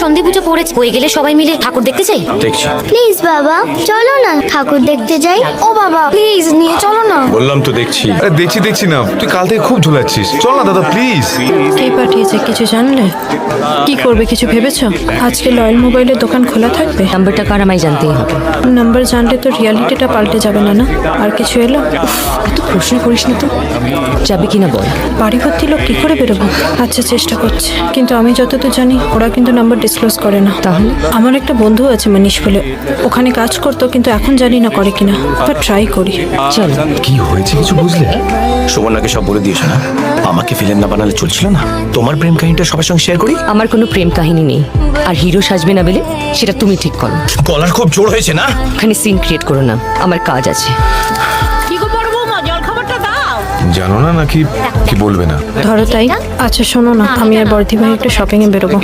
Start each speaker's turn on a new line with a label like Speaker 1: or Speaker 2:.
Speaker 1: সন্ধে পুজো পড়েছে, হয়ে গেলে সবাই মিলে ঠাকুর দেখতে যাই।
Speaker 2: দেখছি।
Speaker 3: প্লিজ বাবা চলো না ঠাকুর দেখতে যাই।
Speaker 1: ও বাবা প্লিজ নিয়ে চলো না।
Speaker 2: বললাম তো দেখছি।
Speaker 4: আরে দেখছি না, তুই কাল থেকে খুব ঝুলাচ্ছিস, চল না দাদা প্লিজ।
Speaker 5: কে পাঠিয়েছে কিছু জানলে? কি করবে কিছু ভেবেছো? আজকে লয়েল মোবাইলের দোকান খোলা থাকবে?
Speaker 1: নাম্বারটা কার আমায় জানতেই হবে।
Speaker 5: নাম্বার জানলে তো রিয়ালিটিটা পাল্টে যাবে না না? আর কিছু এলো?
Speaker 1: এত প্রশ্ন করিস না তো, যাবে কিনা বল।
Speaker 5: বাড়ি ভর্তি লোক কি করে বেরোবো? আচ্ছা চেষ্টা করছে, কিন্তু আমি যতদূর জানি ওরা কিন্তু নাম্বার ডিসক্লোজ করে না।
Speaker 1: তাহলে?
Speaker 5: আমার একটা বন্ধু আছে মানিশ বলে, ওখানে কাজ করতো, কিন্তু এখন জানি না করে কিনা। বাট ট্রাই করি।
Speaker 1: চল।
Speaker 4: কি হয়েছে কিছু বুঝলে?
Speaker 2: সুবর্ণাকে সব বলে দিয়েছো না? আমাকে ফিল্ম না বানালে চলছিল না? তোমার প্রেম কাহিনীটা সবার সঙ্গে শেয়ার করি।
Speaker 1: আমার কোনো প্রেম কাহিনী নেই, আর হিরো সাজবে না বলে সেটা তুমি ঠিক করো।
Speaker 2: গলার খুব জোর হয়েছে না?
Speaker 1: ওখানে সিন ক্রিয়েট করো না, আমার কাজ আছে।
Speaker 4: জানো না নাকি কি বলবে না?
Speaker 5: ধরো তাই। আচ্ছা শোনো না, আমি আর বর্দি ভাই একটু শপিং এ বেরোবো।